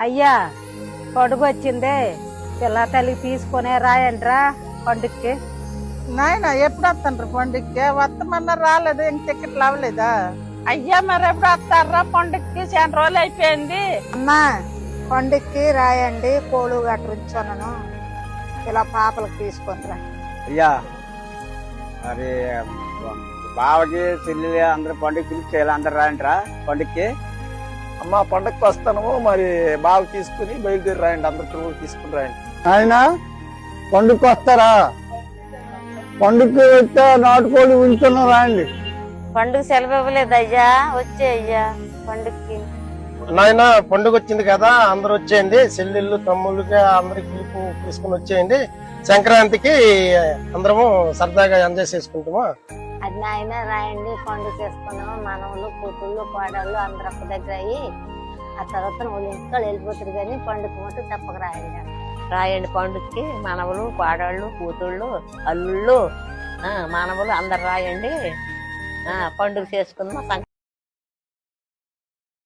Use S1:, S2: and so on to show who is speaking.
S1: అయ్యా పండుగ వచ్చిందే పిల్ల తల్లికి తీసుకునే రాయండ్రా పండుగకి.
S2: నాయన ఎప్పుడు వస్తాను పండుగకి? వస్తామన్నా రాలేదు, ఇంక టికెట్లు అవ్వలేదా?
S3: అయ్యా మరి ఎప్పుడు వస్తారా పండుగకి? చాలా రోజులు అయిపోయింది.
S1: అమ్మా పండుగకి రాయండి, కోళ్ళు గట్టించాను ఇలా పాపలకు తీసుకునిరా.
S4: అయ్యా మరి బావకి చెల్లి అందరు పండుగ పిలిచేయాలి, అందరు రాయండిరా పండుగకి.
S5: అమ్మ పండగకి వస్తాను, మరి బాగా తీసుకుని బయలుదేరి రాయండి, అందరు తీసుకుని రాయండి.
S6: ఆయన పండుగకి వస్తారా? పండుగకి వస్తే నాటుకోడి ఉంచున్నాం రాయండి.
S7: పండుగ సెలవు ఇవ్వలేదు అయ్యా, వచ్చే అయ్యా పండుగకి.
S5: నాయన పండుగ వచ్చింది కదా, అందరు వచ్చేయండి, చెల్లెళ్ళు తమ్ముళ్ళకి అందరికి పిలుపు తీసుకుని వచ్చేయండి. సంక్రాంతికి అందరము సరదాగా ఎంజాయ్ చేసుకుంటాము.
S7: అది నాయన రాయండి, పండుగ చేసుకున్నాము. మనవలు కూతుళ్ళు కోడళ్ళు అందరు ఒక్క దగ్గర అయ్యి ఆ తర్వాత వాళ్ళు ఇంట్లో వెళ్ళిపోతారు, కానీ పండుగ మటు తప్పక రాయండి.
S3: రాయండి పండుగకి, మనవలు కోడళ్ళు కూతుళ్ళు అల్లుళ్ళు మనవలు అందరు రాయండి, పండుగ చేసుకుందాం.